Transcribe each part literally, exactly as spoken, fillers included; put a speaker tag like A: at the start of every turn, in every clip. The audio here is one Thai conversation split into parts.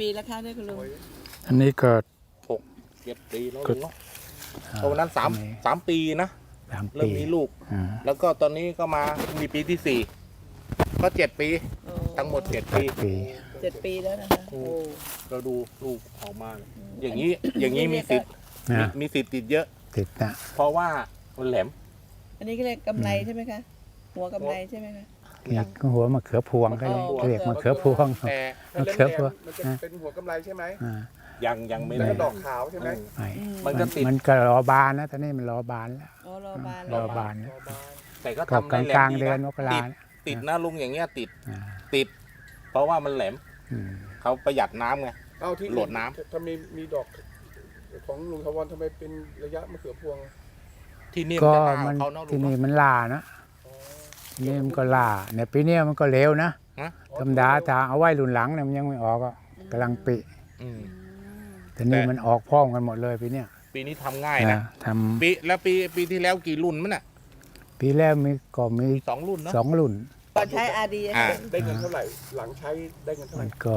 A: แล้วคะเนี่ยคุณลุง
B: อันนี้ก็
C: หกเจ็ดปีแล้วลุงเนาะตอนนั้นสามสามปีนะเริ่มมีลูกแล้วก็ตอนนี้ก็มามีปีที่สี่ก็เจ็ดปีทั้งหมดเจ็ดปี
A: เจ็ดปีแล้วนะคะ
C: เราดูลูกออกมาอย่างนี้อย่างนี้มีสิทธิ์มีสิทธิ์ติดเยอะ
B: ติดนะ
C: เพราะว่ามันแหลม
A: อันนี้ก็เรียกกำไรใช่ไหมคะหัวกำไรใช่ไหมคะ
B: อยากหัวมะเขือพวงก็เรียกมะเขือพวง
D: มะเขือพวงมันจะเป็นหัวกำไรใช่ไหม
C: ยังยังไม่
D: ได้ดอกขาวใช่ไหม
C: มันก็ติด
B: มันก็รอบานนะตอนนี้มันรอบานแล้ว
A: รอบาน
B: รอบาน
C: แต่ก็ทำ
B: กลางกลางเดือนมกรา
C: ติดนะลุงอย่างเงี้ยติดติดเพราะว่ามันแหลมเขาประหยัดน้ำไง
D: เอาที่
C: โหลดน้
D: ำทำไมมีดอกของลุงทวารทำไมเป็นระยะมะเขือพวง
C: ที่นี่
B: ก็มันที่นี่มันล่านะนี่มันก็ล่าเนี่ยปีนี้มันก็เร็วนะธรรมดาถ้าเอาไว้รุ่นหลังเนี่ยมันยังไม่ออกก็กำลังปีแต่นี่มันออกพร้อมกันหมดเลยปีนี้
C: ปีนี้ทำง่ายนะ
B: ทำ
C: ปีแล้วปีปีที่แล้วกี่รุ่นมั้งน่ะ
B: ปีแรกมีก็มี
C: สองรุ่นเนาะ
B: สองรุ่น
A: ก่อนใช้อาดี
D: ได้เงินเท่าไหร่หลังใช้ได้เงินเท่าไหร่
B: ก็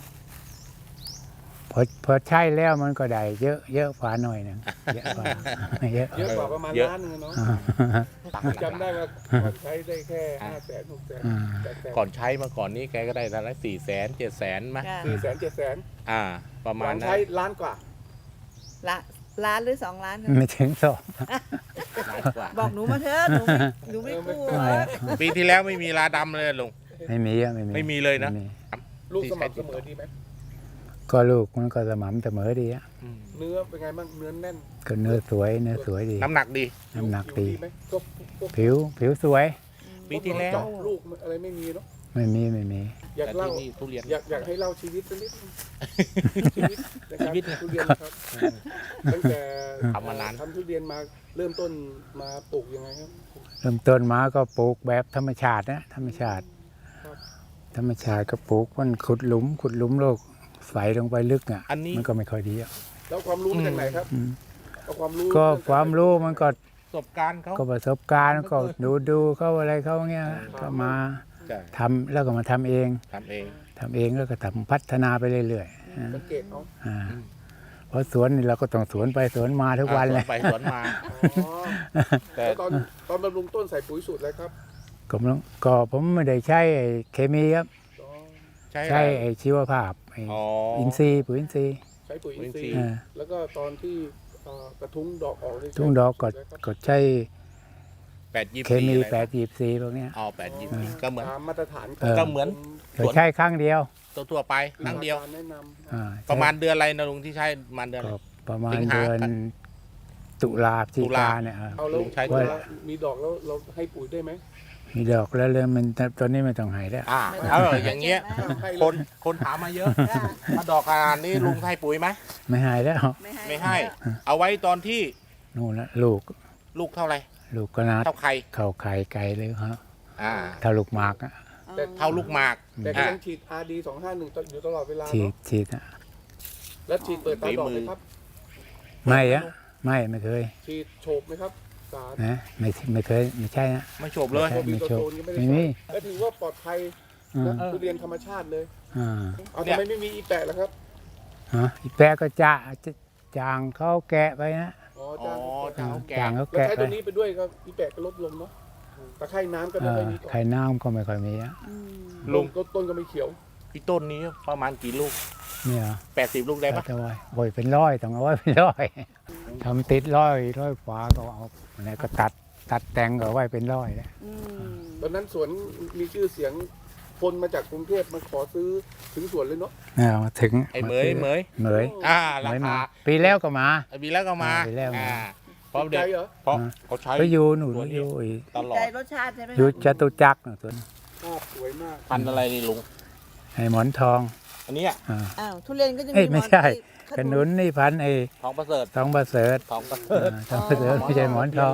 B: พอพอใช้แล้วมันก็ได้เยอะเยอะกว่าหน่อยนึงเยอะกว่า
D: เยอะเยอะกว่าประมาณล้านนึงเนาะจำได้ว่าก่อนใช้ได้แค่ห้าแสนหกแสน
C: ก่อนใช้มาก่อนนี้แกก็ได้ละละสี่แสนเจ็ดแสนไหม
D: สี่แสนเจ็ดแสน
C: อ่าประมาณนั้น
D: ใช้ล้านกว่า
A: ละล้านหรือสองล้าน
B: ไม่ถึงสอง
A: บอกหนูมาเถอะหนูไม่หนูไม่กู้
C: ปีที่แล้วไม่มีลาดำเลยลุง
B: ไม่มีอะไม่มี
C: ไม่มีเลยนะ
D: ลูกสม่ำเสมอดีไหม
B: ก็ลูกมันก็สม่ำเสมอดีอะ
D: เนื้อเป็นไงบ้างเนื้อแน่น
B: ก็เนื้อสวยเนื้อสวยดี
C: น้ำหนักดี
B: น้ำหนักดีผิวผิวสวย
C: ปีที่แล้ว
D: ลูกอะไรไม่มีเนาะ
B: ไม่มีไม่มี
D: อยากเล่าอยากอยากให้เล่าชีวิตสักนิดชีวิตชีวิตทุเรียนครับตั้งแต่
C: ทำมานาน
D: ทำทุเรียนมาเริ่มต้นมาปลูกยังไงครับ
B: เริ่มต้นมาก็ปลูกแบบธรรมชาตินะธรรมชาติธรรมชาติก็ปลูกมันขุดหลุมขุดหลุมโลกใส่ลงไปลึกอ่ะมันก็ไม่ค่อยดีอ่ะ
D: แล้วความรู้มาจากไหนครับความรู้
B: ก็ความรู้มันก็
C: ประสบการณ์เขา
B: ก็ประสบการณ์ก็ดูดูเขาอะไรเขาเงี้ยก็มาทำแล้วก็มาทำเอง
C: ทำเอง
B: ทำเองแล้วก็ทำพัฒนาไปเรื่อย
D: ๆสังเกตเขา
B: เพราะสวนนี่เราก็ต้องสวนไปสวนมาทุกวันเลย
C: ไปสวนมา
D: แต่ตอนตอนบำรุงต้นใส่ปุ๋ยสูตรอะไรครับ
B: ก็ก็ผมไม่ได้ใช้เคมีครับใช้ไอชีวภาพอินทรีย์ปุ๋ยอินทรีย์
D: ใช้ปุ๋ยอินทรีย์แล้วก็ตอนที่กระทุ้งดอกออก
B: ทุ้งดอกก็ก็ใช้
C: แปดยี่
B: เคมีแปดยี่สี่พวกนี้
C: อ๋อแปดยี่สี่ก็เหมือน
D: มาตรฐาน
C: ก็เหมือน
B: ใช้ครั้งเดียว
C: ตัวทั่วไปครั้งเดียวประมาณเดือนอะไรนะลุงที่ใช้ประมาณเดือน
B: ประมาณเดือนตุลาพฤศจิกาเนี่ย
D: เอาแล้วมีดอกแล้วเราให้ปุ๋ยได้ไหม
B: มีดอกแล้วเลยมันตอนนี้ไม่ต้องให้แล้ว
C: อ่าเอออย่างเงี้ยคนคนถามมาเยอะถ้าดอกขนาดนี้ลุงให้ปุ๋ยไหม
B: ไม่ให้แล้ว
C: ไม่ให้เอาไว้ตอนที่
B: นู่นละลูก
C: ลูกเท่าไร
B: ลูกก็นัด
C: เท่าไข่
B: เท่าไข่ไก่เลยครับ
C: อ่า
B: เท่าลูกหมากอ่ะ
C: เท่าลูกหมาก
D: แต่ก็ยังฉีด อาร์ ดี สองห้าหนึ่งอยู่ตลอดเวลา
B: ฉีดฉีดอ่ะ
D: แล้วฉีดเปิดตาดอกไหมครับ
B: ไม่อะไม่ไม่เคย
D: ฉีดโฉบไหมครับ
B: นะไม่ไม่เคยไม่ใช่นะ
C: ไม่โฉบเลย
B: ไม่โฉบไม่มี
D: ก็ถือว่าปลอดภัยทุเรียนธรรมชาติเลยอ่าเอาทำไมไม่มีอีแปะล่ะครับ
B: ฮะอีแปะก็จะจางเขาแกะไปนะ
D: อ๋อจาง
B: เขาแกะจางเขาแกะ
D: ไปแล้วใช้ตัวนี้ไปด้วยก็อีแปะก็ลดลงเนาะตะไคร่น้ำก็ไม่ค่อยมี
B: ไข่น้ำก็ไม่ค่อยมีอ่ะ
D: ลงต้นก็ไม่เขียว
C: พี่ต้นนี้ประมาณกี่ลูก
B: เนี่ย
C: แปดสิบลูกได้ปะ
B: โอ้ยเป็นร้อยต้องเอาไว้เป็นร้อยทำติดร้อยร้อยฟ้าก็เอาอะไรก็ตัดตัดแต่งก็ไว้เป็นร้อยแล้ว
D: ตอนนั้นสวนมีชื่อเสียงคนมาจากกรุงเทพมาขอซื้อถึงสวนเลยเนาะ
B: ถึง
C: ไอ้เหมยเหมย
B: เหมย
C: อ่าราคา
B: ปีแล้วก็มา
C: ปีแล้วก็มา
B: ปีแล้วมา
C: เพราะเด็กเพราะเขาใช้
B: ก็อยู่หนูอยู่
A: ตลอดใจรสชาติใช่ไหม
B: อยู่จตุจักรตัวนี้
D: สวยมาก
C: พันอะไรนี่ลุง
B: ไอ้หมอนทอง
C: อันนี้
A: อ้าวทุเรียนก็จะ
B: มีไม่ใช่ขนุนนี่พันไอ้
C: ทองประเสริฐ
B: ทองประเสริฐ
C: ทองประเสริฐ
B: ทองประเสริฐไม่ใช่หมอนทอง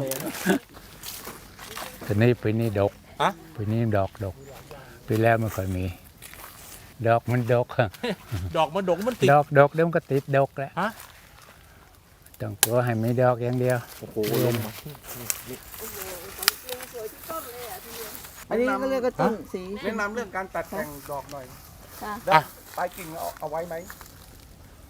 B: แต่นี่ปีนี้ดกปีนี้ดอกดกปีแล้วไม่ค่อยมีดอกมันดก
C: ดอกมันดกมันติด
B: ดอกดกเดี๋ยวมันก็ติดดกแหละต้องกลัวให้ไม่ดอกอย่างเดียว
C: โอ้โห
A: อันนี้ก็เรียกว่าต้นสี
D: แนะนำเรื่องการตัดแต่งดอกหน่อยปลายกิ่งเอาไว้ไหม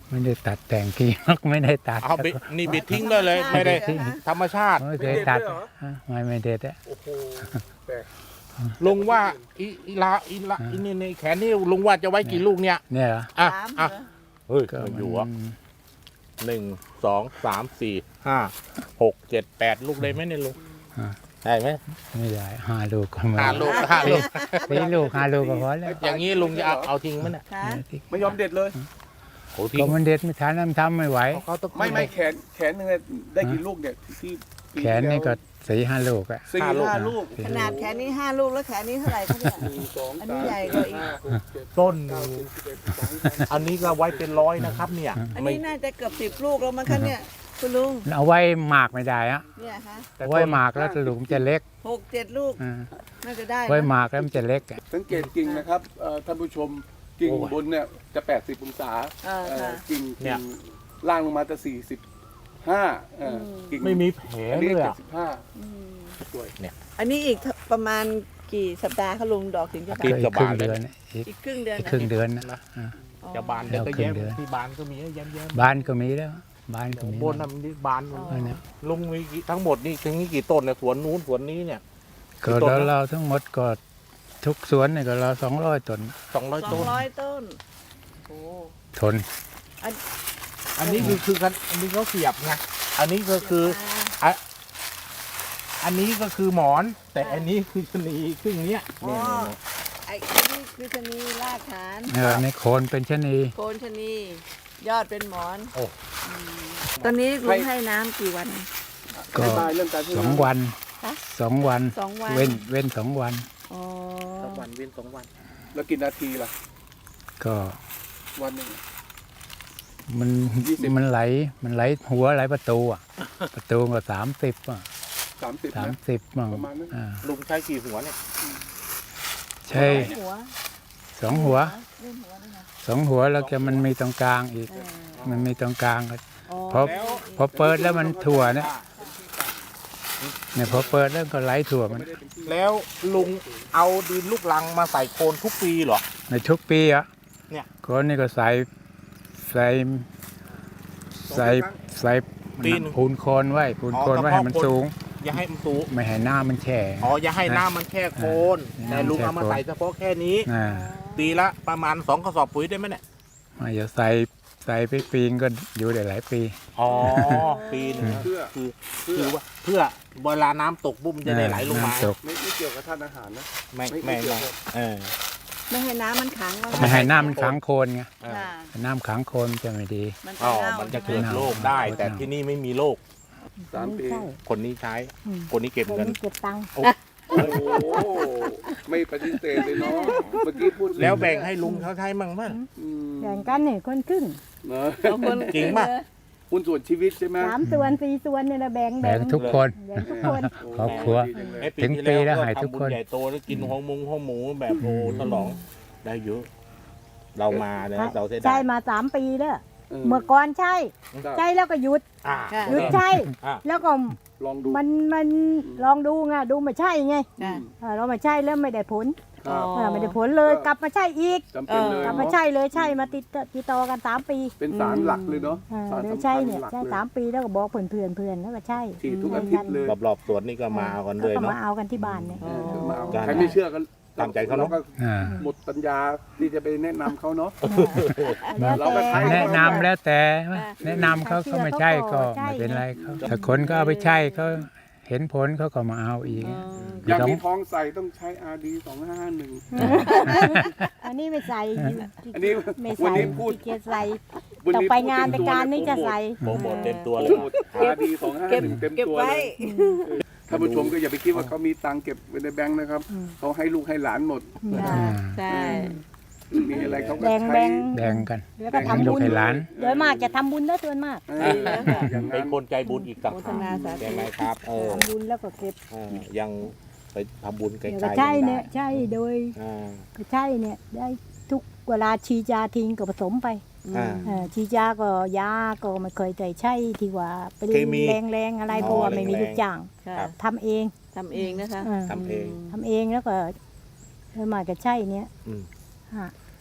B: ไม่ได้ตัดแต่งกิ่ง ไม่ได้ตัด
C: เอาบิดนี่บิดทิ้งได้เลยไม่ได้ธรรมชาติ
B: ไม่เคยตัดฮะไม่ไม่เด็ดอะ
D: โอ้โหแปลก
C: ลุงว่าอีอีลาอีลาอีนี่ในแขนนี่ลุงว่าจะไว้กี่ลูกเนี่ย
B: เนี่ยเหรอ
C: อ่ะ
A: สาม
C: อ่ะ
A: เหรอ
C: เฮ้ย
B: ก็
C: มัน
B: มัน
C: อยู่อ่ะหนึ่งสองสามสี่ห้าหกเจ็ดแปดลูกเลยไหมเนี่ยลุงได้ไหม
B: ไม่ได้ห้าลูกก็มา
C: ห้าลูกห้าลูก
B: สี่ลูกห้าลูกก็พอแล้ว
C: อย่างนี้ลุงจะเอาเอาทิ้งไหมเนี่ย
A: ค่ะ
D: ไม่ยอมเด็ดเลย
C: โอ้ทิ้
B: ก็
C: ง
B: มันเด็ดไม่ทันน้ำทำไม่ไหว
C: เขาต้อง
D: ไม่ไม่แขนแขนหนึงเนี่ยได้กี่ลูกเนี่ยที่ปี
B: แขนนี่ก็สี่ห้าลูกอะ
D: สี่ห้าลูก
A: ขนาดแขนนี้ห้าลูกแล้วแขนนี้เท่าไหร่คะเนี่ย
D: หนึ่งสอง
A: อัน
D: สา
A: นี้
D: ม
A: ใหญ่กว่าอีก
D: ห้าหกเจ็ด
C: ต้น
D: เก้าสิบสิบเอ็ดสิบสองสิบสาม
C: อันนี้ก็ไว้เป็นร้อยนะครับเนี่ย
A: อัน
C: ไม่
A: นี้น่าจะเกือบสิบลูกแล้วมั้งคะเนี่ยคุณลุง
B: เอาไว้หมากไม่ได้อะ
A: เนี่ยคะ
C: แต่
B: เอา
C: ต้น
B: ไว้หมากแล้วลูกมันจะเล็ก
A: หกเจ็ดลูก
B: อ่า
A: น่าจะได้
B: ไว้
A: นะ
B: หมากแล้วมันจะเล็กอะ
D: สังเกตกิ่งนะครับเอ่อท่านผู้ชมกิ่งบนเนี่ยจะแปดสิบองศา
A: อ่า
D: เอ่อ
A: ค่ะ
D: กิ่ง
C: เนี่
D: กิ่
C: ย
D: งล่างลงมาจะสี่สิบห้ากิ่ง
C: ไม่มีแผล
D: อัน
C: เล
D: นี้
C: ย
D: เจ็
C: อะ
D: ดสิบห้า
A: อืม
D: สวย
A: อันนี้อีกประมาณกี่สัปดาห์คะลุงดอกถึงจะ
C: ติ
A: บา
C: ด
A: น
C: กั
B: อีกครึ่งเดือนอีก
A: อีกครึ่งเดือน
B: อีก
A: นะ
B: ครึ่งเดือนนะอ่า
A: อ๋อ
C: จะบาน
B: แล้
C: แต่
B: ว
C: ก็
B: ครึ่
C: แย้
B: ง
C: ม
B: เดือน
C: ที่บานก็มีแย้มแย้ม
B: บ้านก็มีแล้วบ้านก็มี
C: บนน่ะมันนี่บาน
A: อ๋อ
B: อันเนี้ย
C: ลุงมีกี่ทั้งหมดนี่ถึงนี่กี่ต้นเนี่ยสวนนู้นสวนนี้เนี่ย
B: ก็
C: กี่ต้น
B: เรา
C: นะ
B: เราทั้งหมดก็ทุกสวนเนี่ยก็เราสองร้อยต้น
C: สองร้อย
A: สอ
C: ต้
A: ง
C: น
A: ร้อยต้นโอ้
B: ทน
C: อันนี้คือคือกันอันนี้เขาเสียบไงอันนี้ก็คือ
A: อ่า
C: อันนี้ก็คือหมอน แต่อันนี้คือชะนีครึ่งเนี้ย
A: อ๋อ
C: เนี่ย
A: ไอ้นี่คือชะนีรากฐาน
B: เออในโคนเป็นชะนี
A: โคนชะนียอดเป็นหมอน
C: โอ้
A: อืมตอนนี้ลุงให้น้ำกี่วัน
B: ก็
D: อธิบายเรื่องการให้
B: สอง
D: น้ำ
B: วัน
A: ฮะ
B: สองวัน
A: สองวัน
B: เว้นเว้นสองวัน
A: อ๋อ
C: สองวันเว้นสองวัน
D: แล้วกี่นาทีล่ะ
B: ก็
D: วันหนึ่ง
B: มัน
D: ยี่สิบ
B: มันไหลมันไหลหัวไหลประตูอ่ะ ประตูก็สามสิบอ่ะ
D: สามสิบ
B: สาม
D: นะ
B: สิบมั่ง
D: ประมาณนั้น
B: อ่า
C: ลุงใช้กี่หัวเนี่ย
B: ใช่
A: หัว
B: สองหัว
A: เล่นหัวด้วยนะ
B: สองหัวแล้วก็มันมีตรงกลางอีก
A: เออ
B: มันมีตรงกลางก็
A: อ๋อ
B: พอ พอเปิดแล้วมันถั่วเนี่ยเนี่ยพอเปิดแล้วก็ไหลถั่วมัน
C: แล้วลุงเอาดินลูกลังมาใส่โคนทุกปีเหรอ
B: ในทุกปีอ่ะ
C: เนี่ย
B: คนนี่ก็ใส่ใส่ใส่ใส่
C: ปีหนึ่ง
B: พูนโคนไว้พูนโคน
C: อ๋อ
B: ไว้ให้มัน
C: กระเพาะคน
B: สูง
C: อย่าให้มันสูง
B: ไม่ให้หน้ามันแฉะ
C: อ๋ออย่าให้น้ำมันแค่โคน
B: อ่า
C: แต่ลุงเอามาใส่เฉพาะแค่นี้
B: อ่า
C: ปีละประมาณสองกระสอบปุ๋ยได้ไหมเนี่ย
B: ไม่จะใส่ใส่ไปปีนก็อยู่ได้หลายปี
C: อ๋อปีหนึง
D: เพื่อ
C: คือ
D: เพื่อ
C: คือว่าเพื่อเวลาน้ำตกบุ้มจะได้ไหลลงมา
B: น้ำตก
D: ไม่ไม่เกี่ยวกับท่านอาหารนะ
C: ไม่
D: ไม่
C: ไม่
D: ไม่เกี่ยว
C: ไม่
D: กับ
C: เออ
A: ไม่ให้น้ำมันขังว่า
B: ไม่ให้น้ำมันขังโคนไง
C: เออ
A: ค่ะ
B: น้ำขังโคนจะไม่ดี
A: มัน
C: อ๋
A: จะ
C: อ
A: เน่า
C: มันจะ
A: ใช่
C: เกิด
A: ไหม
C: โรคได้
B: เน่า
C: แต่ที่นี่ไม่มีโรค
D: สามปี
C: คนนี้ใช้ คนนี้เก็บเงิน
E: เก็บตังค์
D: โอ้โหไม่ปฏิเสธเลยเนาะเมื่อกี้พูด
C: แล้วแบ่งให้ลุงเขาใช้มั่งมั้ง
D: อืม
E: แบ่งกันเนี่ยคนครึ่ง
D: เนอะ
A: เอาคน
C: จริงป่ะ
D: หุ้นส่วนชีวิตใช่ไหม
E: สามส่วนสี่ส่วนเนี่ยนะแบ่ง
B: แบ่งทุกคน
E: แบ่งทุกคน
B: ครอบครัว
D: ดีจังเลย
C: ไอ้
B: ถึง
C: ที่
B: ปีแล้ว
C: ก็
B: หายทุก
C: ทำบุญ
B: คน
C: ใหญ่โตแล้วกินห้องมุงห้องหมูแบบโอ้ฉลองได้เยอะ เรามาเนี่ยเราเสียดา
E: ใช่
C: ย
E: มาสามปีแล้ว
D: เออ
E: เมื่อก่อนใช่
D: ครับ
E: ใช่แล้วก็หยุด
C: อ่า
E: หยุดใช่
C: อ่า
E: แล้วก็
D: ลองดู
E: มันมันลองดูไงดูไม่ใช่ไง
A: ค่ะ
E: เออเราไม่ใช่แล้วไม่ได้ผล
D: ครับ
E: เออไม่ได้ผลเลยกลับมาใช่อีก
D: จำเป็นเลย
E: กลับมา
D: เนาะ
E: ใช่เลยใช่มาติดติดต่อกันสามปี
D: เป็นสารหลักเลยเนาะ
E: เออ
D: สาร
E: เลย
D: สำคั
E: ใช่
D: ญ
E: เนี่ย
D: หลัก
E: ใช่
D: เลย
E: สามปีแล้วก็บอกเพื่อนเพื่อนเพื่อนแล้วก็ใช่
D: ฉีดทุกอาทิตย์เลย
C: รอบๆสวนนี่ก็มาเอากันเลย
E: ก็
C: เนาะ
E: มาเอากันที่บ้านเนี่ย
D: เออมาเอา
C: การ
D: ใครไม่เชื่อก็
C: ตามใจเขาเนอะ
D: ก็
B: อ่า
D: หมดปัญญาที่จะไปแนะนำเขาเนาะ
E: แล้ว
D: เราก็ใช้
E: แต่
B: แนะนำแล้วแต่แนะนำเขาเขาไม่ใช่ก็ไม่เป็นไรเขาถ้าคนก็เอาไปใช้เขาเห็นผลเขาก็มาเอาอีก
A: อ๋อ
D: อยากมีท้องใส่ต้องใช้ อาร์ ดี สองห้าหนึ่ง
E: อันนี้ไม่ใส่
D: อันนี้
E: ไม่
D: วัน
E: ใส่
D: นี้พูด
E: ขี้เกียจใส่
D: วัน
E: ต่อ
D: นี้
E: ไป
D: พูด
E: งาน
D: เต็
E: ไป
D: มตัว
E: การ
D: เลย
E: นี่จะใส่
C: โปรโมทเต็มตัวเลย
D: โปรโมท อาร์ ดี สองห้า
A: เก็บ
D: หนึ่งเต็ม
A: เก็บ
D: ตัว
A: ไว้
D: เลยท่านผู้ชมก็อย่าไปคิดว่าเขามีตังค์เก็บไว้ในแบงค์นะครับ เขาให้ลูกให้หลานหมด
E: จ้ะ
A: ใช่
D: มีอะไรเขาก็
E: แบ่ง
D: ใช้
E: แบ่ง
B: แบ่งกัน
E: แล้วก็
B: ให้
E: ทำ
B: ลู
E: บุ
B: ก
E: ญ
B: ให้หลาน
E: โดยมากจะทำบุญนะส่วนมาก
D: เอออย่าง
C: เป็
D: นั้น น
C: คนใจบุญอีกต่าง
A: โฆษ
C: หาก
A: ณาสาธุ
C: ใช่ไหมครับ เออ
E: ทำบุญแล้วก็เก็บ
C: เออยังไปทำบุญไกล
E: เดี๋ยว
C: ๆ
E: ก็ใช่
C: งได้
E: เนี่ยใช่โดย
C: อ่า
E: ก็ใช่เนี่ยได้ทุกเวลาชีจาทิ้งก็ผสมไป
C: อ่า
E: เออชีจาก็ยาก็ไม่เคยใจใช่ที่ว่าเป็น
C: เคมี
E: แรงๆอะไร
C: อ๋อ
E: เพราะว่าไม่มี
C: แรงๆ
E: ลูกจ้าง
A: ค่ะ
C: ครับ
E: ทำเอง
A: ทำเองนะคะ
E: เออ
C: ทำเอง
E: ทำเองแล้วก็โดยมากจะใช่เนี่ย
C: อืม
E: ฮะ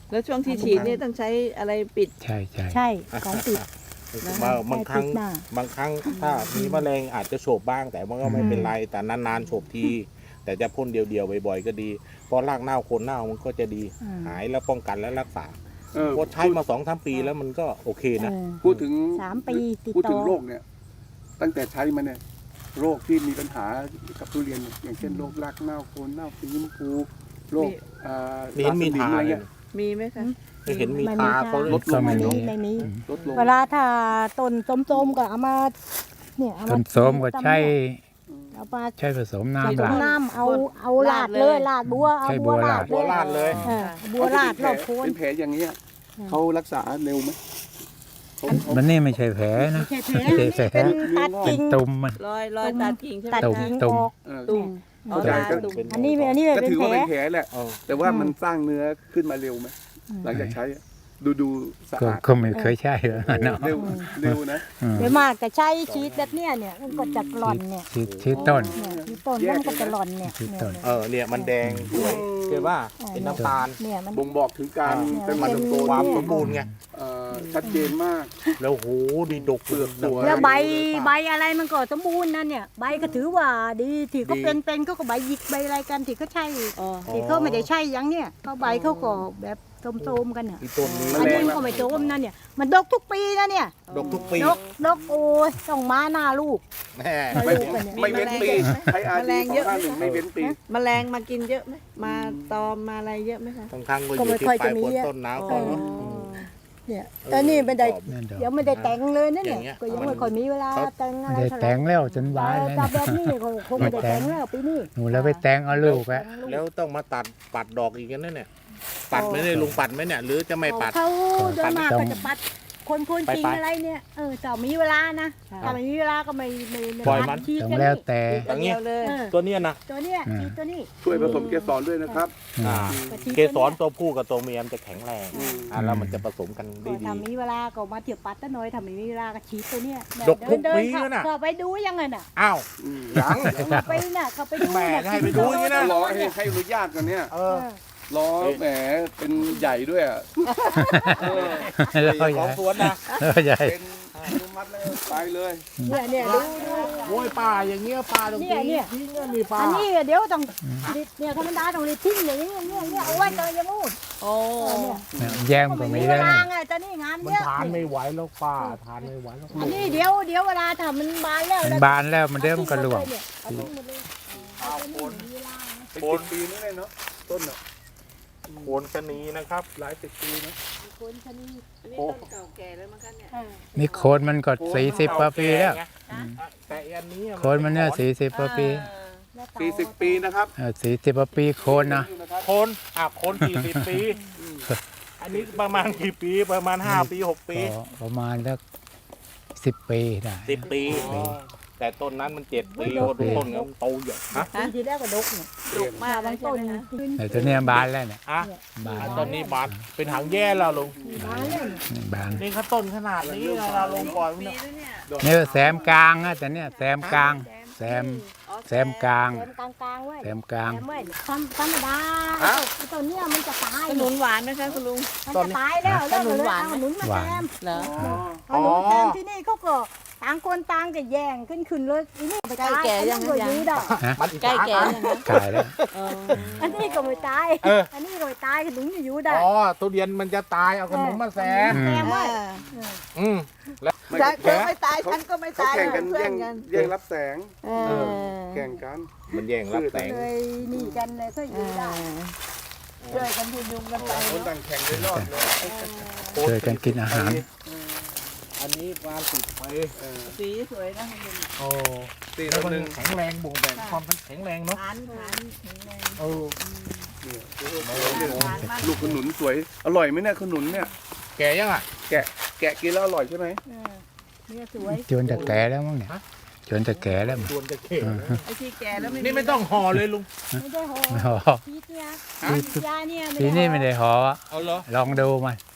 A: แล้วช่วงที่ฉีดเนี่ยต้องใช้อะไรปิด
B: ใช่ใช่
E: ใช่ของติด
C: บางบางครั้ง
E: ใช่ติดหน้า
C: บางครั้งถ้ามีแมลงอาจจะโฉบบ้าง แต่มันก็ไม่เป็นไรแต่นานๆโฉบที แต่จะพ่นเดียวๆบ่อยๆก็ดีเพราะรากเน่าโคนเน่ามันก็จะดี
E: อืม
C: หายแล้วป้องกันและรักษา
D: เออ
C: เพราะใช้มาสองสามปีแล้วมันก็โอเคนะ
E: เออ
D: พูดถึง
E: สามปีติด
D: พูด
E: ต่
D: ถึ
E: อง
D: โรคเนี่ย ตั้งแต่ใช้มาเนี่ยโรคที่มีปัญหากับทุเรียนเนี่ยอย่างเช่นโรครากเน่าโคนเน่าสีชมพูโรค
A: มี
D: อ่า
C: มีเห็นมี
D: ราสนิ
C: ทา
D: อะไร
C: เล
D: เงี้
C: ย
D: ย
A: มีไหมคะ
C: ไม่เห็นมี
E: ไม่
C: ทา
E: ค่ะ
C: เขาลดล
B: ก็
C: ง
B: ไม่
E: ไม่
B: มี
E: มีไม่มี
D: ลดลง
E: เวลาถ้าต้นส้มๆก็เอามาเนี่ยเอา
B: ต้
E: มาน
B: ส้มก็ใช้
E: เอามา
B: ใช้ผสม
E: ผ
B: น้ำ
E: ส
B: ลาม ด
E: น้ำเอาเอาลาดเลยลาดบัวเอา
B: ใช่
E: บัว
B: บัว
E: ลา
B: ลา
E: ด
B: ด
C: บัวลาดเลย
E: เออบัวลาดรอบโคน
D: เป็นแผลอย่างเงี้ย
E: อืม
D: เขารักษาเร็วไหมเขาเขา
B: มันนี่ไม่ใช่แผลนะ
E: ไม่ใช่แผล
B: ไม่ใช่แผล
E: เป็นตัด
B: เป็
E: กิ่
B: น
E: ง
B: ตุ่มมัน
A: รอยรอยตัดกิ่งใช่ไหม
E: ตัด
B: ตุ่ม
E: กิ่ง
B: ตุ่
E: อ
B: ม
E: อก
D: เออ
A: ตุ่ม
E: อืม
A: อ๋อ
D: เข้าใจ
A: ลา
D: ก็
A: ตุ่ม
E: อันนี้อันนี้
D: ก็
E: เป็น
D: ถือ
E: แผ
D: ว่า
E: ล
D: เป็นแผลแหละ
C: เออ
D: แต่ว่า
E: อืม
D: มันสร้างเนื้อขึ้นมาเร็วไหมหลังจากใช้อะดูดูสะ
B: ก็
D: อาด
B: ก็ไม่เคยใช่หรอกเนาะ
D: เร็วเร็วนะ
B: อืม
E: เดี๋ยวมากแต่ใช้ชีสแบบเนี้ยเนี่ยมันก็จะหล่อนเนี่ย
B: ชีดชีดต้น
E: เนี่ยที่ต้นแล้วมันก็จะหล่อนเนี่ย
B: ที่
E: เนี่ย
B: ต้น
C: เออเนี่ยมันแดงสวยเห็นว่าเป็นน้ำตาล
E: เนี่ยมัน
D: บ่งบอกถึงการ
E: เนี่ย
D: เป็นมัน
E: เป็น
D: โต
C: ความสมบูรณ์ไง
D: เอ่อชัดเจนมาก
C: แล้วโหดีดก
D: เปลือกสวย
E: แล้วใบใบอะไรมันก็สมบูรณ์นะเนี่ยใบก็ถือว่าดีที่เขาเป็นเป็นเขาก็ใบหยิกใบอะไรกันที่เขาใช่
A: อ๋อ
E: ที่เขาไม่ได้ใช่อยังเนี่ยเขาใบเขาก็แบบโทมๆกันอ่ะ
C: อีต้นนี้
E: อันนี้มันก็ไม่โทมนะเนี่ยมันดกทุกปีนะเนี่ย
C: ดกทุกปี
E: ดกดกโอ้ยต้องมาหน้าลูก
C: แม่
D: ไม่
E: ลูกกันเนี่ย
D: ไม่เว้นปีใช้อา
A: แมล
D: ดี
A: ง
D: สอ
A: เย
D: ง
A: อะ
D: ห้าหนึ่งไม่เว้นปี
A: แมลงมากินเยอะไหมมาตอมมาอะไรเยอะไหมคะ
C: ทั้งทั้งๆก็อ
E: ก็
C: ยู่
E: ไม่
C: ที่
E: ค่อย
C: ปลา
E: จะ
C: ย
E: มี
C: ฝน
E: อะ
C: ต้นหนาว
A: อ๋
C: ก่อน
A: อ
C: เนาะ
E: เนี่ยตอนนี้ไม่ได้
B: นั่นดอก
E: ยังไม่ได้แต่งเลยนะ
C: อ
E: เนี่
C: ย่าย งเงี้ย
E: ก็ยังไม่ค่อยมีเวลาแต่งอะ
B: ไม่
E: ไร
B: ได้
E: เท่าไหร่
B: แต่งแล้วจนวาย
E: เออ
B: แล้ว
E: แต่
B: เนี่ย
E: แบบนี้ก็คงไม่ได้แต่งแล้วปีนี้
B: หนูแล้วไปแต่งเอาลูกอะ
C: แล้วต้องมาตัดปัดดอกอีกนั่นเนี่ยปัดไหมเนี่ยลุงปัดไหมเนี่ยหรือจะไม่ปัด
E: เขาโดยมากก็จะปัดคนคนจริง
C: ไปๆ
E: อะไรเนี่ยเออแต่มีเวลานะถ้าไม่มีเวลาก็ไม่ไม่ไม่
C: ปล่อยมัน
E: ชีด
B: ต้อง
E: กัน
B: แล้ว
E: นี่
B: แต่
C: อย่างเงี้ย
A: เดียวเลย
E: เออ
C: ตัวเนี้ยนะ
E: ตัวเนี้ย
B: อืม
E: ชีดตัวนี้
D: ช่วยผสมเกสรด้วยนะครับ
C: อ่า
E: ชีด
C: เก
E: ตัว
C: สร
E: นี้ย
C: ตัวผู้กับตัวเมียมันจะแข็งแรง
D: อืม
C: อ่าแล้วมันจะผสมกันได้
E: ก็
C: ดี
E: ถ้ามีเวลาก็มาเที่ยวปัดตะน้อยถ้าไม่มีเวลาก็ชีดตัวเนี้ย
C: ดกทุก
E: เดิ
C: ปี
E: เข้า
C: น่ะ
E: เข้าไปดูยังไงน่ะ
C: อ้าว
D: อืมยัง
E: เข้าไปน่ะเข้าไปดู
C: แหม่
E: น่ะ
C: ให้ไปดูอย่างนี้นะ
D: รอให้ให้อนุญาตกันเนี่ย
C: เอ
E: เอ
C: อ
E: อ
D: รอแหมเป็นใหญ่ด้วยอ่ะเออ
B: แล้ว
C: ข
B: ให
C: อ
B: ญ่
C: งสวนนะ
B: แล้วใหญ่
D: เป็นอนุมัติแล้วไปเลย
E: เนี่ยเนี่ยดูดู
C: โอ้ยป่าอย่างเงี้ยป่าตรง
E: เนี่ย
C: นี้
E: เนี่ย
C: ทิ้งอะมีป่า
E: อันนี้เดี๋ยวต้องรีดเนี่ยธรรมดาต้องรีดทิ้งอย่างนี้เนี่ยเนี่ยเอาไว้เจอยังงูด
A: โอ้
E: เนี่ย
B: แย้มก็ไม่
E: เว
B: ได้
E: ลาไงตอนนี้งาน
C: มัน
E: เยอะ
C: ทานไม่ไหวแล้วป่าทานไม่ไหวแล้ว
E: อันนี้เดี๋ยวเดี๋ยวเวลาถ้ามันบานแล้ว
B: มันบานแล้วมันเริ่มนก็ร่วง
E: เอาทิ้งหมดเลยเอาทิ้งหมดเลยเอาตัวนี้มีเวลานะ
D: เป็นสิบปีนี่เลยเนาะต้นอ่ะ
C: โคนชะนีนะครับ
D: หลายสิบปีนะ
E: คนชะนี
A: อันนี้ต้นเก่าแก่แล้วมั้งคะเนี่ย
E: เออ
B: นี่โคนมันก็สี่สิบกว่าปีแล้ว
C: แต่อันนี้อะ
B: โคนมันเนี่ยสี่สิบกว่าปี
E: แล้วต่อ
D: สี่สิบปีนะครับ
B: สี่สิบกว่าปีโคนนะ
D: อยู่นะครับ
C: โคนอ่ะโคนสี่สิบปี อันนี้ประมาณกี่ปีประมาณห้าปีหกปี
B: ก็ประมาณสักสิบปีได้
C: สิบปี
B: ปี
C: แต่ต้นนั้นมันเจ็ดปี
B: โอ้
C: โอ้
B: โห
C: ต้นมันโตใหญ่ฮะ
E: ปีที่แล้วก็ดกเนี่ย
A: ดุมาก
E: บา
A: บาง ง
E: ต้
A: ต้
E: น
A: นนะ
B: แต่ตัวเนี้ยบานแล้วเนี่ย
C: อ่ะ
B: บาน
C: อ่ะต้นนี้บานเป็นหางแย่แล้วลุง
E: บานแล้วเนี่ย
B: นี่บาน
C: นี่เขาต้นขนาดนี้นะเราลงก่อน
A: ปี
C: เนี่ย
A: แล้วเนี่ย
B: นี่ก็แซมกลางนะแต่เนี่ยแซมกลางแซม
A: อ๋อ
B: แซมกลาง
E: แซมกลางกลางๆไว้
B: แซมกลาง
E: แซมไว้ธรรมธรรมดาไอ้ต้นเนี้ยมันจะตาย
A: ขนุนหวานไหมคะคุณลุง
E: มันจะตายแล้วแล้ว
A: ขนุนหวาน
E: เอาขนุนมา
B: หวา
E: แซ
B: น
E: ม
A: เหรอ
E: ขนุนแซมที่นี่เขาก็ต่างคนต่างจะแย่งขึ้นขึ้นเลยอันนี้ไปตาย
A: ใกล้แก่ยัง
E: อันนี้ก็อยู่ได้
C: มันอิจ
A: ใกล้
C: ฉา
A: แก่
C: กัน
A: ยังคะ
B: ขายแล้ว
A: เออ
E: อันนี้ก็ไม่ตาย
C: เออ
E: อันนี้ก็ไม่ตายขนุนจะอยู่ได้
C: อ๋อทุเรียนมันจะตายเอาขนมมาแซม
E: แซมไว้
C: อืมแล้ว
D: ไม่
A: ฉัน
D: แข่ง
A: ไม่ตายฉันก็ไม่
D: เขา
A: ตาย
D: แข่งกัน
A: เพื่อ
D: แย่
A: น
D: ง
A: กัน
D: แย่งรับแสง
E: เอ
C: เอ
E: อ
D: แข่งกัน
C: มันแย่งรับแสง
E: เลยนี่กันเลยก็อยู่ได้
A: ช่วยกันพยุงกันไป
D: คน
A: เนอะ
D: ต่างแข่งเลยรอดเลย
B: ช่วยกันกินอาหาร
C: อันนี้ปลาติดไป
D: เออ
A: สีสวยนะคุณลุง
C: โอ้
D: สี่
C: แล้ว
D: ต่อ
C: มัน
D: หนึ่ง
C: แข็งแรงบ่งบอกความแข็งแรงเนาะ
A: ฐานฐานแข็งแรง
C: เออ
D: เนี่ย
A: ฐานมาก
D: ลูกขนุนสวย อร่อยไหมเนี่ยขนุนเนี่ย
C: แก่ยังอ่ะ
D: แกะแกะกินแล้วอร่อยใช่ไหม
E: เออเนี่ยสวย
B: จนจะแก่แล้วมั้งเนี่ยจนจะแก่แล้วมั้ง
C: ชวนจะเก่
A: ไอ้ที่แก่แล้วไม่
C: นี่ไม่ต้องห่อเลยลุง
E: ไม่ได้หอ
B: อ๋อ
E: ชีสเนี่ย
C: ฮะ
E: ชีสยาเนี่ย
B: ปีนี้ไม่ได้หอ
C: เอาเหรอ
B: ลองดูมัน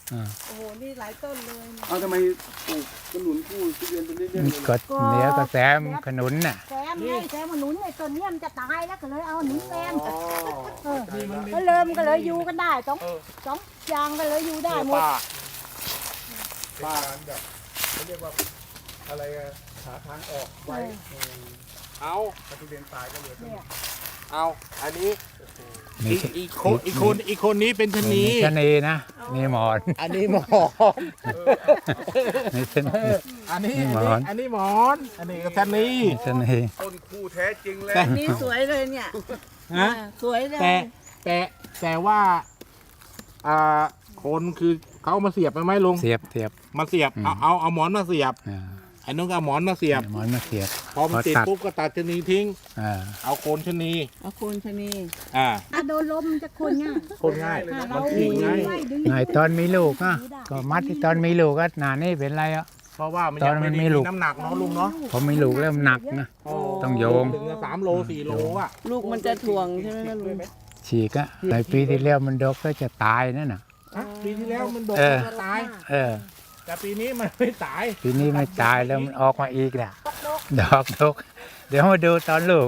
B: อ่า
A: โอ้โห นี่หลายต้นเลยเนี่ย
D: เอาทำไมปลูกขนุนคู่ทุเรียนเป็นเรื่อยๆเลย
B: ก็เหนียวก็แซมขนุนน่ะ
E: แซมไงแซมมันหนุนไอ้ต้นเนี้ยมันจะตายแล้วก็เลยเอาหนุนแซม
C: อ๋อ
E: เออก็เริ่มก็เลยอยู่กันได้สองสองอย่างก็เลยอยู่ได้หมด
C: ป้า
D: ป้าแบบเขาเรียกว่าอะไรอะหาทางออกไว้
C: เอา
D: ถ้าทุเรียนตายก็เหลือต้น
E: เนี่ย
C: เอาอันนี้
B: มี
C: อีกอีกคนอีกคนอีกคนนี้เป็นชะนี
B: ชะนีนะนี่หมอน
C: อันนี้หมอน
B: นี่ชะนี
C: อันนี้
B: นี่
C: อัน
B: หม
C: นี้
B: อน
C: อันนี้หมอน อันนี้ก็ชะนี
B: ชะนี
D: ต้นคู่แท้จริงเลย
A: นี่สวยเลยเนี่ย
C: ฮะ
A: อ่าสวยเลย
C: แต่แต่แต่ว่าอ่าคนคือเขาเอามาเสียบไปไหมลุง
B: เสียบเสียบ
C: มาเสียบ
B: อืม
C: เอาเอาเอาหมอนมาเสียบ
B: อ่า
C: ไอ้นุ่งก็เอาหมอนมาเสียบ
B: หมอนมาเสียบ
C: พอมันติด
B: พอตัด
C: ปุ๊บก็ตัดชะนีทิ้ง
B: อ่า
C: เอาโคนชะนี
A: เอาโคนชะนี
C: อ่า
E: ถ้าโดนลมมันจะคนง่าย
C: โคนง่าย
E: ถ้า
C: มั
E: เรา
C: นทิ้งง่าย
E: ไว้ดึง
B: ไงตอนมีลูกอ่ะก็มัดที่ตอนมีลูกก็หนานี่เป็นไรอ่ะ
C: เพราะว่ามัน
B: ตอ
C: ยั
B: น
C: ง
B: มั
C: ไม่
B: น
C: ได้
B: มี
C: มี
B: ลูก
C: น้ำหนักเนาะลุงเนาะ
B: พอมีลูกเริ่มหนักนะ ต้องโยง
C: ถึงจะสามโลสี่โลอ่ะ
A: ลูกมันจะถ่วงใช่ไหมคะลุง
B: ฉีกอะในปีที่แล้วมันดกก็จะตายนั่นน่ะ
C: ฮะปีที่แล้วมันโดน
B: เออ
C: มันตาย
B: เออ
C: แต่ปีนี้มันไม่ตาย
B: ปีนี้ไม่ตายแล้วมันออกมาอีกแหละดอกดกเดี๋ยวมาดูตอนลูก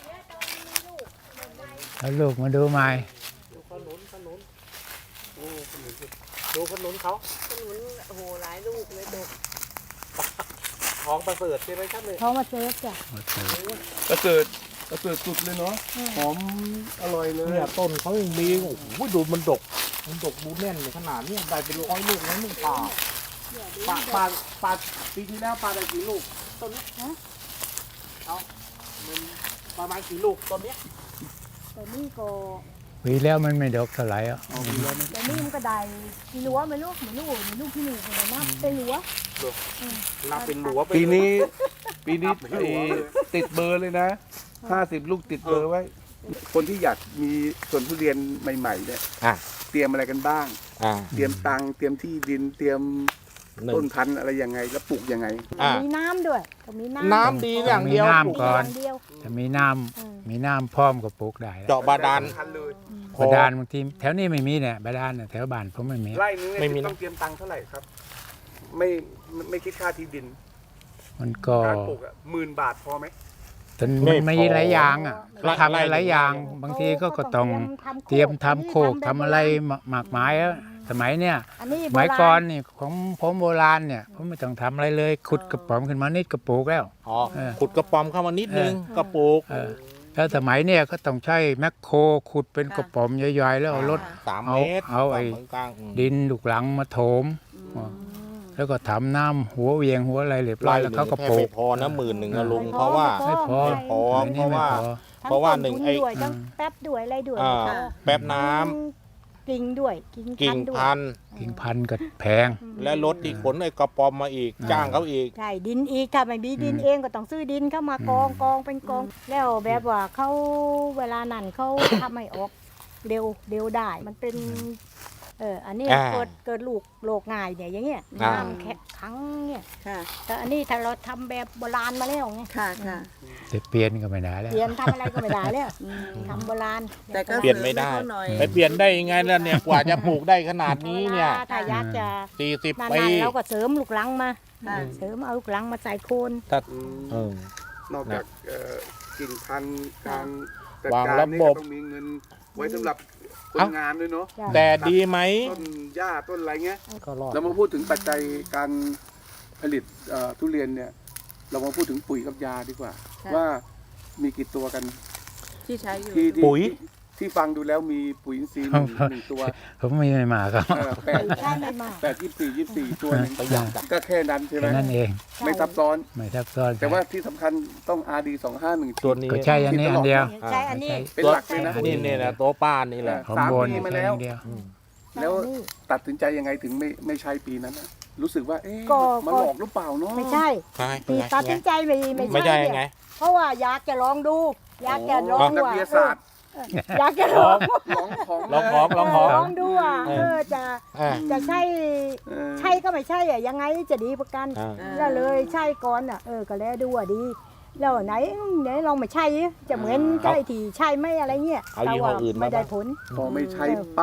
B: ตอนลูกมาดูใหม่
C: ดูขนุนขนุนโอ้ขนุนดูขนุนเขา
A: ขนุนโอ้โห หลายลูกเลยดก
C: ของประเสริฐใช่ไหมครับเนี่ย
E: เขามาเซฟจ้ะ
D: ประเสริฐประเสริฐสุดเลยเนาะหอมอร่อยเลย
C: เนี่ยต้นเขายังมีโอ้โหดูมันดก มันดกดูแน่นขนาดนี้ได้เป็นร้อยลูกแล้วมึงป่าปาปาปาปีที่แล้วปาได้กี่ลูกต้นนี้ฮะเอามันประมาณกี่ลูกต้นเนี้ย
E: แต่นี่ก็
B: ปีแล้วมันไม่ดกเท่าไหร่อ่ะ
E: แต่นี่มันก็ได้กี่หลัวไม่รู้ไม่รู้ไม่รู้กี่หลัวแต่นับเป็นหลัว
C: นับเป็นหลัวไป
D: ปี
C: เลย
D: นี้ปีนี้ไอ้ติดเบอร์เลยนะห้าสิบลูกติดเบอร์ไว้ คนที่อยากมีสวนทุเรียนใหม่ๆเนี่ย
C: อ่ะ
D: เตรียมอะไรกันบ้าง
C: อ่า
D: เตรียมตังค์เตรียมที่ดินเตรียม
C: หนึ่
D: ต้
C: ง
D: นพันธุ์อะไรยังไงแล้วปลูกยังไง
C: อ่ะ
E: มีน้ำด้วยก็มีน้ำ
C: น้ำดีอย่างเดียว
B: มี
C: ปลู
B: น้ำ
C: ก
B: ก่อน
E: ย่างเดียว
B: ถ้ามีน้
E: อืม
B: ำมีน้ำพร้อมก็ปลูกได้แล้ว
C: เจาะบาดาล
D: พันเลย
B: บาดาลบางทีแถวนี้ไม่มีเนี่ยบาดาลเนี่ยแถวบ้านผมไม่มี
D: ไร่นึง
C: ไม่มี
D: เนี่ย
C: นะ
D: ต้องเตรียมตังค์เท่าไหร่ครับ ไม่ไม่ไม่คิดค่าที่ดิน
B: มันก็
D: การปลูกอ่ะหมื่นบาทพอไหม
B: จนมันมีหลายอย่างอ่ะเขาทำหลายอย่าง บางทีก็ก็ต้องเตรียมทำโคกทำอะไรหมากไม้อะสมัยเนี่ย
E: อันนี้
B: สมัยก่อนนี่ของผมโบราณเนี่ยผมไม่ต้องทำอะไรเลย ขุดกระป๋อมขึ้นมานิดกระปลูกแล้ว
C: อ๋อ
B: เออ
C: ขุดกระป๋อมเข้ามานิดนึงกระปุก
B: เออแล้วสมัยเนี่ยก็ต้องใช้แมคโครขุดเป็นกระป๋อมใหญ่ๆแล้วเอารถ
C: สาม
B: เอา
C: เมตร
B: เอาไอ้
C: สมกลางๆอืม
B: ดินลูกหลังมาโถม แล้วก็ทำน้ำหัวเวียงหัวอะไรเรียบร้อยแล้วเขาก็ปลู
C: แทบ
B: ก
C: ไม่พอนะหมื่นหนึ่งนะลุงเพราะว่า
B: ไม่พอ
C: ไม่พอ
B: อันนี้ไม่พอ
C: เพราะว่าหนึ่งไอ้
E: ทั้ต้ทุด้วยทั้งแป๊บด้วยอะไรด้วย
C: อ่า
E: ค่ะ
C: แป๊บน้ำ
E: ทั้งกิ่งด้วยกิ่ง
C: กิ่ง
E: ด้วย
C: พันธุ์
B: กิ่งพันธุ์ก็แพง
C: และรถที่ขนไอ้กระป๋อมมาอีก
B: อ่า
C: จ้างเขาอีก
E: ใช่ดินอีกถ้าไม่มีดิน
B: อืม
E: เองก็ต้องซื้อดินเข้ามากอง
B: อืม
E: กองเป็นกอง แล้วแบบว่าเขาเวลานั้นเขา ทำให้ออกเร็วเร็วได้ มันเป็น เอออันนี้
C: อ่า
E: เกิดเกิดลูกโรคง่ายเนี่ยอย่างเงี้ย
C: อ่า
E: น้ำแข็งขังเนี่ย
A: ค่ะ
E: แต่อันนี้ถ้าเราทำแบบโบราณมาแล้วไง
A: ค่ะค่ะ
B: จะเปลี่ยนก็ไม่ได้แล้ว
E: เปลี่ยนทำอะไรก็ไม่ได้แล้วทำโบราณ
A: แต่ก็
C: เปลี่ยนไม่ได้
A: สริให้เขาหน่อย
C: ไปเปลี่ยนได้ยังไงล่ะเนี่ยกว่าจะปลูกได้ขนาดนี้เนี่ย
E: วลาถ้าอยากจะ
C: สี่สิบ
E: นาน
C: ปี
E: ๆเราก็เสริมลูกหลังมา
A: ค่ะ
E: เสริมเอาลูกหลังมาใส่โคน
C: เออ
D: นอกจากเอ่อกิ่งพันธุ์การจัด
C: วาง
D: การ
C: ระ
D: นี่
C: บ
D: ก็
C: บ
D: ต้องมีเงินไว้สำหรับคน
C: เอ้า
D: งานด้วยเนาะ
E: จ้ะ
C: แต่ดีไหม
D: ต้นหญ้าต้นอะไรเงี้ย
C: ก็รอด
D: เรามาพูดถึงปัจจัยการผลิตเอ่อทุเรียนเนี่ย เรามาพูดถึงปุ๋ยกับยาดีกว่า
A: ค่ะ
D: ว่ามีกี่ตัวกัน
A: ที่ใช้อยู่
D: ที่ที่
C: ปุ๋ย
D: ที่ฟังดูแล้วมีปุ๋ยอินทรีย์หนึ่งหนึ่งตัว
B: ผมไม่ไม่มาครับ
D: เออแปด
E: ใช่ไม่มาก
D: แปดยี่สิบสี่ยี่สิบสี่ตัวหนึง
C: ประหยัดอะ
D: ก็แค่นั้นใช่ไหม
B: แค่นั้นเอง
D: ไม่ซับซ้อน
B: ไม่ซับซ้อน
D: แต่ว่าที่สำคัญต้อง อาร์ ดี สองห้าหนึ่ง
C: ตัวนี้
B: ก็ใช่อันนี้อันเดียว
E: ใช่อันนี้
D: เป็นหลักเลยนะ
B: อั
C: นี่เนี่ยนะตัวป้านี่แหละ
B: ของ
D: สาม
B: บน
D: ปีมา
B: แค่
D: แล้ว
B: อันเดียว
D: แล้ว
E: อันนี้
D: ตัดสินใจยังไงถึงไม่ไม่ใช้ปีนั้นน่ะรู้สึกว่า เอ๊ะ
E: ก็
D: มัน
E: ก็
D: หลอกหรือเปล่าเนาะ
E: ไม่ใช่
C: ใช่
E: ปีตัดสินใจไม่ไม่
C: ไม่
E: ใช่
C: ใช่
E: เนี่
C: ไง
E: ยเพราะว่าอยากจะลองดู อยากจะลอง
D: นัก
E: ว่า
D: วิทยาศาสตร์
E: เอออยากจะลอง
D: ลองของ
C: ลองของลองของ
E: ลองดูว่า
C: เอ
E: เอ
C: อ
E: อจะ
C: อ่า
E: จะใช่
D: เออ
E: ใช่ก็ไม่ใช่อะยังไงจะดีประกัน
C: อ่า
E: แล้วเลยใช่ก่อนอ่ะเออก็แล้วดูว่าดี แล้วไหนไหนลองไม่ใช่จะเหมือนใช่ที่ใช่ไหมอะไรเงี้ย
C: เอายี่ห้ออื่นมา
E: ไม่ได้ผล
D: พอไม่ใช้ปั๊บ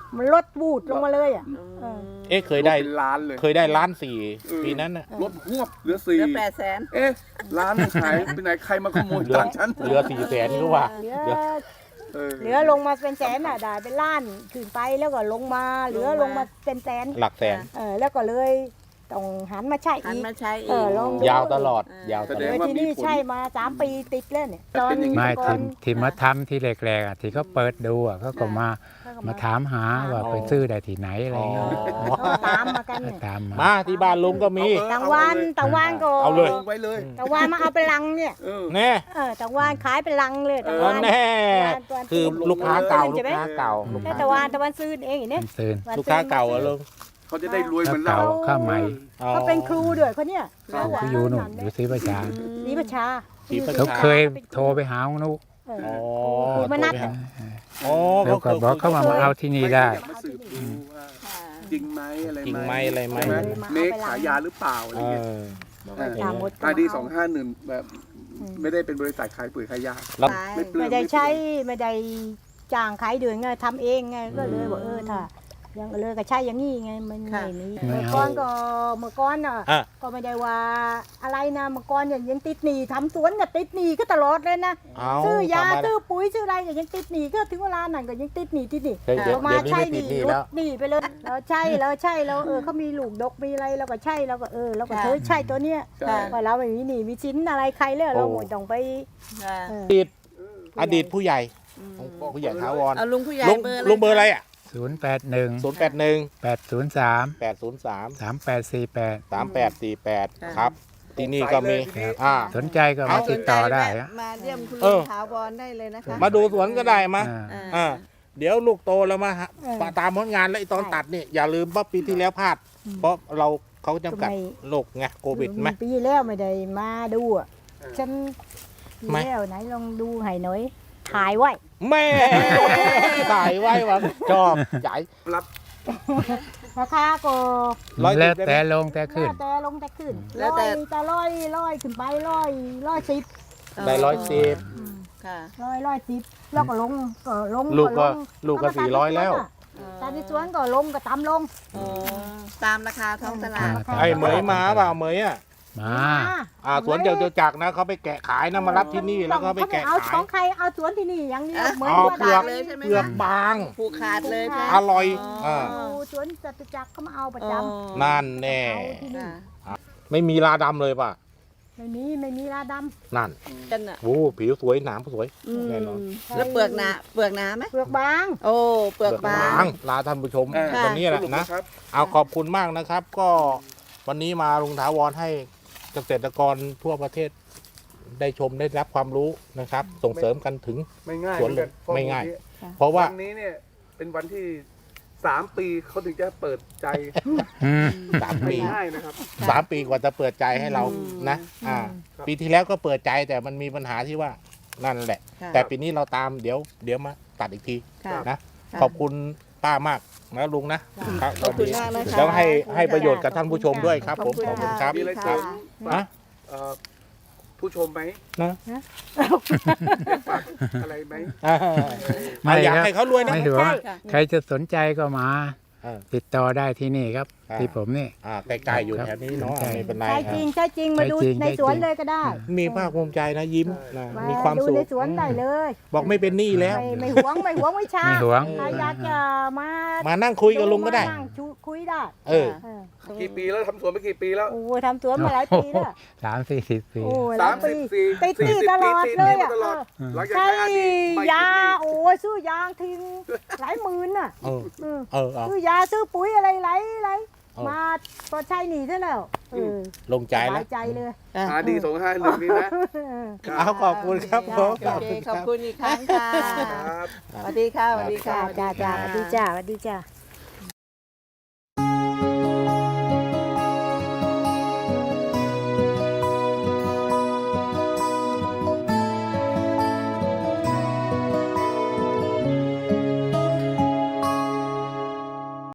E: มันลดบูดลงมาเลยอ่ะ เออ
C: เอ๊ะเคยได้
D: เป็นล้านเลย
C: เคยได้ล้านสี่
D: เออ
C: ปีนั้นน่ะ
D: ลดหวบเหลือสี่
A: เหลือแปดแสน
D: เอ๊ะร้านมันหายไปไหนใครมาขโมย
C: เหลือ
D: ตังค์ฉัน
C: เหลือสี่แสนก็ว่า
E: เหลือ
C: เหลือ
D: เออ
E: เหลือลงมาเป็นแสนอ่ะได้เป็นล้านขึ้นไปแล้วก็ลงมาเหลือลงมาเป็นแสน
C: หลักแสน
E: เออแล้วก็เลยต้องหันมาใช้
A: หัน
E: อีก
A: มาใช้อี
E: เอก อลองดู
C: ยาวตลอด
A: เออ
C: ยาวต
D: แส
C: ล
D: ด
C: อด
D: งว่า
E: ที่
D: มี
E: นี่
D: ผล
E: ใช่มาสามปีติดแล้วเนี่ย
D: แต่เป็นอย่างนี้
B: ไม่
E: ก่อ
B: ที่
E: น
B: ที่มาทำที่แรกๆอ่ะที่เขาเปิดดูอ่ะเขาก็มา
E: เขาก็
B: มาถามหาว่าไปซื้อได้ที่ไหนอะไรเงี้ย
E: เขาก็ตามมากันเนี่ย
B: ตามมา
C: มาที่บ้านลุงก็มี
D: เออ
E: ตางวันตางวันก็
C: เอาเลย
D: ลงไว้เลย
E: ตางวันมาเอาเป็นลังเนี่ย
D: เออ
C: แน่
E: เออตางวันขายเป็นลังเลยตาง
C: เอ
E: วั
C: อน แน่
E: ตางวัน
C: คือลูกค้าเก่า
E: ใช่
C: ลูก
E: ไหม
C: ค้าเก่าลูก
E: แต่
C: ค้า
E: ตางวันตางวันซื้อเองอย่างเนี้ย
B: มันซื้อ
E: วัน
C: ลูกค้าเก่าอะลุง
D: เขาจะได้รวยเหมือน
B: เก่า
D: เรา
B: ข้าวใหม่
C: อ๋อ
E: เขาเป็นครูด้วยเขาเนี่ย
B: เขาก็อยู่นู่นอยู่ศรีประชา
E: ศรีประชา
C: ศรีประช
B: เขาเคยโทรไปหาของนุ
E: เออ
C: อ๋อ
E: ครูมานัด
C: โทรไป
E: อะ
C: หาอ๋อ
B: แล้วก็บอกเขามามาเอาที่นี่ได้
D: อยากมาสืบดูว่าจริงไหมอะไร
C: จริงไหมอะไรไหม
D: ใช่ไหม
E: เลยมาเอา
D: เม
E: ไป
D: ฆ
E: ล้าง
D: ขายยาหรือเปล่าอะไร
C: เอ
D: เงี้ย
C: อ
D: เออ
E: ตามหมด
D: อาดีสองห้าหนึ่งแบบไม่ได้เป็นบริษัทขายปุ๋ยขายยา
C: แล้ว
D: ไม่เปลือ
E: ไม่
D: ง
E: ได้ใช้ไม่ได้จ้างขายเดือนไงทำเองไงก็เลยบอกเออถ้ายังเลยก็ใช่อย่างนี้ไงมันไม่มี
B: ไม่
E: เมื่อ
B: เอา
E: ก่อนก็เมื่อก่อนอ่ะ
C: อ่ะ
E: ก็ไม่ได้ว่าอะไรนะเมื่อก่อนยังยังติดหนี้ทำสวนก็ติดหนี้ก็ตลอดเลยนะ
C: เอา
E: ซื้อยา
C: ทำมา
E: ซื้อปุ๋ยซื้ออะไรก็ยังติดหนี้ก็ถึงเวลานั้นก็ยังติดหนี้ติดหนี้
C: เดี๋ยวเดี๋ยว
E: เรามา
C: เดี๋ยวนี้
E: ใช่
C: ไม่
E: ห
C: ติ
E: นี้
C: ดหนี้
E: ล
C: แล้ว
E: ดหนี้ไปเลยเราใช่เราใช่เราเออเขามีลูกดกมีอะไรเราก็ใช่เราก็เออเราก็เธอใช่ตัวเนี้ย
D: ใช่
E: ว่าเราไม่มีหนี้มีสินอะไรใครเลยเราหมดต้องไป
A: ค่ะ
E: เออ
C: อดีตอดีตผู้ใหญ่
A: อืม
C: ผู้ใหญ่ถาวร
A: เอาลุงผู้ใหญ่
C: ลุง
A: เบอร์อะไร
C: ลุงเบอร์อะไรอ่ะ
B: ศูนย์แปดหนึ่ง
C: ศูนย์แปดหนึ่ง
B: แปดศูนย์สาม
C: แปดศูนย์สาม
B: สามแปดสี่แปด
C: สามแปดสี่แปดครับ ที่นี่ก็มี
D: สงสัยเลยทีนี้
C: อ่า
B: สนใจก็มาติดต่อได้อะ
A: มาเยี่ยมคุณ
C: เอ
A: ลุ
C: อ
A: งถาวรได้เลยนะคะ
C: มาดูสวนก็ได้มา
B: อ่า
A: อ่า
C: อ่าเดี๋ยวลูกโตแล้วมาหา
E: เออ
C: ตามผลงานแล้วไอ้ตอน
E: ใช่
C: ตัดนี่อย่าลืมว่าปีที่แล้วพลาด เพราะเราเขาจำกัด
E: ทำไม
C: โรคไงโควิดไหม
E: ปีแล้วไม่ได้มาดูอ่ะฉันปี
C: ไม่
E: แล้วไหนลองดูให้หน่อยถ่ายไว้
C: แม่ถ่ายไว้ว่าชอบใหญ่
D: รับ
E: ราคาก็
C: ร้อย
B: แล้ว
C: สิบได้ไหม
B: แต่ลงแต่ขึ้น
E: แล้วแต่ลงแต่ขึ้น
A: แล้
E: ร้
A: ว
E: อ
A: แต่
E: ยแต่ร้อยร้อยขึ้นไปร้อยร้อยสิบ
C: ได้ร้อยสิบ
A: ค่ะ
E: ร้อยร้อยสิบแล้วก็ลงก็ลง
C: ลูกก็
E: ลง
C: ลูกก็
E: เามา
C: สี่ร้อยแล้ว
E: ตามที่สวนก็ลงก็ตามลง
A: อ๋อตามราคาท้องตลาด
B: อ่า
C: ไอ้เหมยมาเปล่าเหมยอ่ะ
B: มา
C: อ่าสวนเจ้าเจ้าจักรนะเขาไปแกะขายนะมารับที่นี่แล้วก็ไปแกะ
E: เอา
C: ขา
E: ขอย งใครเอาสวนที่นี่อย่างเดียวเหมือน
C: เอา
E: ว่า
C: เปลือก
E: ได้
A: เลยใช่ไหม
C: เปลือก
A: คะ
C: บาง
A: ผูกขาดเลยค่ะ
C: อร่อย
A: อ๋อ
C: อ่า
E: เอาสวนจตุจักรเขามาเอาประจำ
C: นั่นแน่
E: เอาที่นี่
A: ค่ะ
C: ไม่มีลาดำเลยป่ะ
E: ไม่มีไม่มีลาด
C: นั่น
A: กันอ่ะ
C: โอ้ผิวสวยหนามสวย
A: อืม
C: แน่นอน
A: แล้วเปลือกหนาเปลือกหนาไหม
E: ำเปลือกบาง
A: โอ้เปลือกบาง
C: ลาท่านผู้ชม
D: อ่า
C: วันนี้แหละ
D: สรุป
C: นะ
D: ครับ
C: เอาขอบคุณมากนะครับ ก็วันนี้มาลุงถาวรให้เกษตรกรทั่วประเทศ ได้ชมได้รับความรู้นะครับ ส่งเสริมกันถึง
D: ไม่ง่าย
C: สวนเลย
D: หอนกัน
C: ไม่ง่าย
D: เพราะ
C: เพราะว่า
D: วันนี้เนี่ยเป็นวันที่สามปีเขาถึงจะเปิดใจ
B: อืม
C: สาม
D: ไม่
C: ปี
D: ง่ายนะครับ
C: สามปีกว่าจะเปิดใจให้เรานะ อ่า
D: ครับ
C: ปีที่แล้วก็เปิดใจแต่มันมีปัญหาที่ว่านั่นแหละ
A: ค่ะ
C: แต่ปีนี้เราตามเดี๋ยวเดี๋ยวมาตัดอีกที
A: ค่ะ
C: นะ
A: ค่ะ
C: ขอบคุณป้ามากนะลุงนะครับ
A: ขอบคุณมากนะคะ
C: แล้วให้ให้ประโยชน์กับท่านผู้ชมด้วยครับ ผมขอบคุณครับ
D: มีอะไร
A: ค่ะ
D: เสริม
C: นะ
D: เอ่อผู้ชมไหม
C: นะ
D: อยากฝากอะไรไหม
C: อ่า
B: ไม่
C: อยาก
B: ครับ
C: ให้เขารวยนะ
B: ไม่ถือว่า
A: ค่ะ
B: ใครจะสนใจก็มา
C: เออ
B: ติดต่อได้ที่นี่ครับ
C: อ่า
B: ที่ผมนี่
C: อ่าใกล้ๆอยู่แถวนี้เนาะ
B: ใช่
C: ไม่เป็นไร
E: ใช่
C: ค
E: จ
C: รั
E: ริ
C: บ
E: งใช่จริงมาดู
B: ใช่จริง
E: ใน
B: ใช่
E: สวน
B: จริง
E: เลยก็ได้
C: มีภาคภูมิใจนะยิ้มนะ
E: มา
C: มีความ
E: ดู
C: สุข
E: ในสวนได้เลย
C: บอกไม่เป็นหนี้แล้ว
E: ไม่ไม่หวงไม่หวงไม่ช้า
B: ไม่หวง
E: ใครอยากจะมา
C: มานั่งคุยกับลุงก็ได้
E: มานั่งชูคุยได้
C: เออ
E: เออ
D: กี่ปีแล้วทำสวนมากี่ปีแล้ว
E: โอ้ทำสวนมาหลายปีแล้ว
B: สามสี่สิบปี
E: โอ้ห
D: สา
E: ลาย
D: ม
E: ปี
D: สิบสี่
E: ติดหนี้
D: สี่สิบ
E: ตลอด
D: ปี
E: เลย
D: ติดหนี้
E: อ่ะ
D: มาตลอด
E: เออ
D: หลังจาก
E: ใช่
D: ใช้อาดีไม่ติด
E: ยา
D: หนี้
E: โอ้ยซื้อยางทิ้งหลายหมื่นน่ะ
C: เออ
E: เออ
C: เออเอา
E: ซื้อยาซื้อปุ๋ยอะไรหลายหลาย
C: เออ
E: มาพอใช้หนีซะแล้วเออ
C: ลงใจ
E: ส
C: แล้
E: บา
C: วย
E: ใจเลย
D: อาดีสองห้าหนึ่งนี่นะ
C: เอาขอบคุณครับผม
A: โอเคขอบคุณอีกครั้งค่ะ
D: ครับ
A: สวัสดีค่ะสวัสดีค่ะ
E: จ้าจ้าจ้าสวัสดีจ้าสวัสดีจ้า